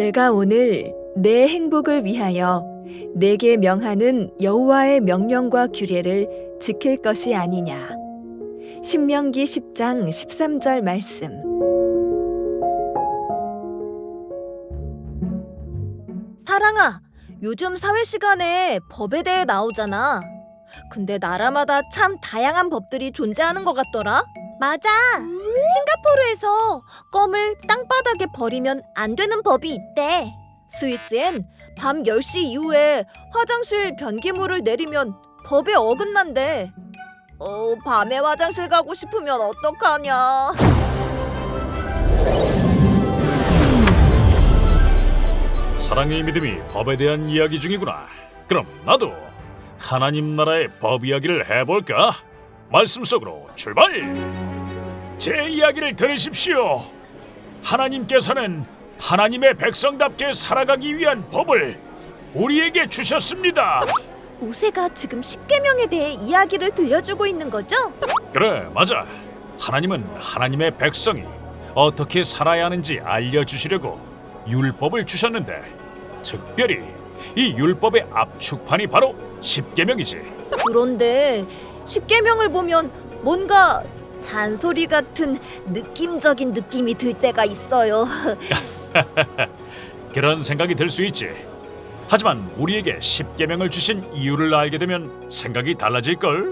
내가 오늘 내 행복을 위하여 내게 명하는 여호와의 명령과 규례를 지킬 것이 아니냐. 신명기 10장 13절 말씀. 사랑아, 요즘 사회 시간에 법에 대해 나오잖아. 근데 나라마다 참 다양한 법들이 존재하는 것 같더라. 맞아. 싱가포르에서 껌을 땅바닥에 버리면 안 되는 법이 있대. 스위스엔 밤 10시 이후에 화장실 변기물을 내리면 법에 어긋난대. 밤에 화장실 가고 싶으면 어떡하냐. 사랑의 믿음이 법에 대한 이야기 중이구나. 그럼 나도 하나님 나라의 법 이야기를 해볼까? 말씀 속으로 출발! 제 이야기를 들으십시오. 하나님께서는 하나님의 백성답게 살아가기 위한 법을 우리에게 주셨습니다. 모세가 지금 십계명에 대해 이야기를 들려주고 있는 거죠? 그래, 맞아. 하나님은 하나님의 백성이 어떻게 살아야 하는지 알려주시려고 율법을 주셨는데, 특별히 이 율법의 압축판이 바로 십계명이지. 그런데 십계명을 보면 뭔가 잔소리 같은 느낌적인 느낌이 들 때가 있어요. 그런 생각이 들 수 있지. 하지만 우리에게 십계명을 주신 이유를 알게 되면 생각이 달라질걸.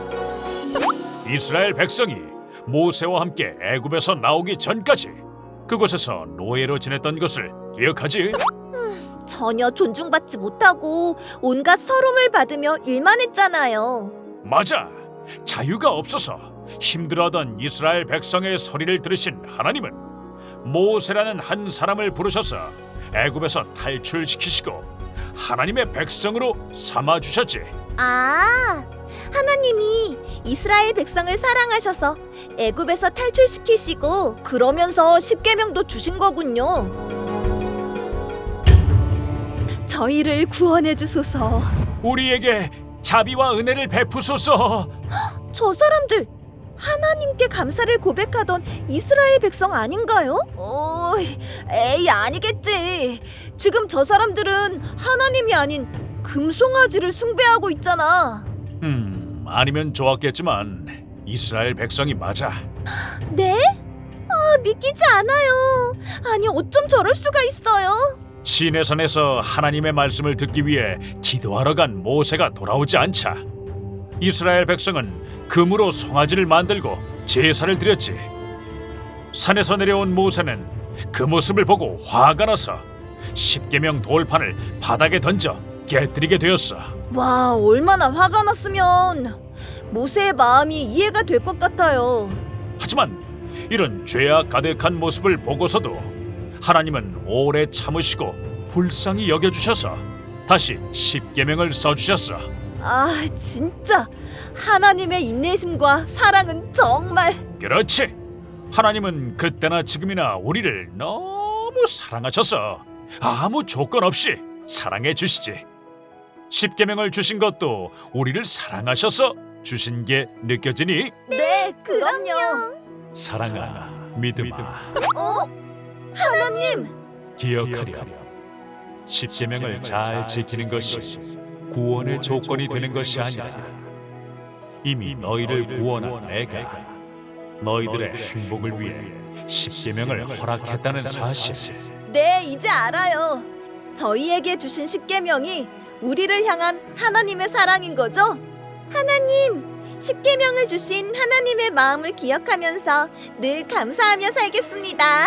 이스라엘 백성이 모세와 함께 애굽에서 나오기 전까지 그곳에서 노예로 지냈던 것을 기억하지? 전혀 존중받지 못하고 온갖 서름을 받으며 일만 했잖아요. 맞아. 자유가 없어서 힘들어하던 이스라엘 백성의 소리를 들으신 하나님은 모세라는 한 사람을 부르셔서 애굽에서 탈출시키시고 하나님의 백성으로 삼아주셨지. 아, 하나님이 이스라엘 백성을 사랑하셔서 애굽에서 탈출시키시고 그러면서 십계명도 주신 거군요. 저희를 구원해 주소서. 우리에게 자비와 은혜를 베푸소서. 저 사람들 하나님께 감사를 고백하던 이스라엘 백성 아닌가요? 에이, 아니겠지. 지금 저 사람들은 하나님이 아닌 금송아지를 숭배하고 있잖아. 아니면 좋았겠지만 이스라엘 백성이 맞아. 네? 믿기지 않아요. 아니, 어쩜 저럴 수가 있어요? 시내산에서 하나님의 말씀을 듣기 위해 기도하러 간 모세가 돌아오지 않자 이스라엘 백성은 금으로 송아지를 만들고 제사를 드렸지. 산에서 내려온 모세는 그 모습을 보고 화가 나서 십계명 돌판을 바닥에 던져 깨뜨리게 되었어. 와, 얼마나 화가 났으면. 모세의 마음이 이해가 될 것 같아요. 하지만 이런 죄악 가득한 모습을 보고서도 하나님은 오래 참으시고 불쌍히 여겨주셔서 다시 십계명을 써주셨어. 아, 진짜 하나님의 인내심과 사랑은 정말. 그렇지. 하나님은 그때나 지금이나 우리를 너무 사랑하셔서 아무 조건 없이 사랑해 주시지. 십계명을 주신 것도 우리를 사랑하셔서 주신 게 느껴지니? 네, 그럼요. 사랑아, 믿음아, 하나님, 기억하렴. 십계명을 잘 지키는 것이 구원의 조건이 되는 것이 아니라 이미 너희를 구원한 내가 너희들의 행복을 위해 십계명을 허락했다는 사실. 네, 이제 알아요. 저희에게 주신 십계명이 우리를 향한 하나님의 사랑인 거죠? 하나님, 십계명을 주신 하나님의 마음을 기억하면서 늘 감사하며 살겠습니다.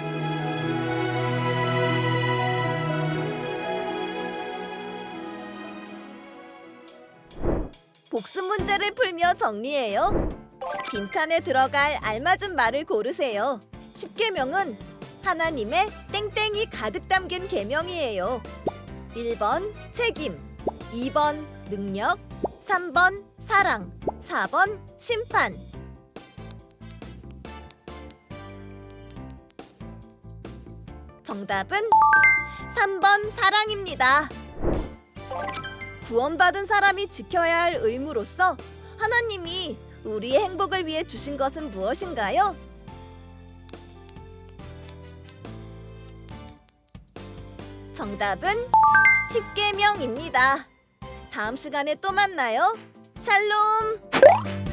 복습 문제를 풀며 정리해요. 빈칸에 들어갈 알맞은 말을 고르세요. 십계명은 하나님의 땡땡이 가득 담긴 계명이에요. 1번 책임, 2번 능력, 3번 사랑, 4번 심판. 정답은 3번 사랑입니다. 구원받은 사람이 지켜야 할 의무로서 하나님이 우리의 행복을 위해 주신 것은 무엇인가요? 정답은 십계명입니다. 다음 시간에 또 만나요. 샬롬.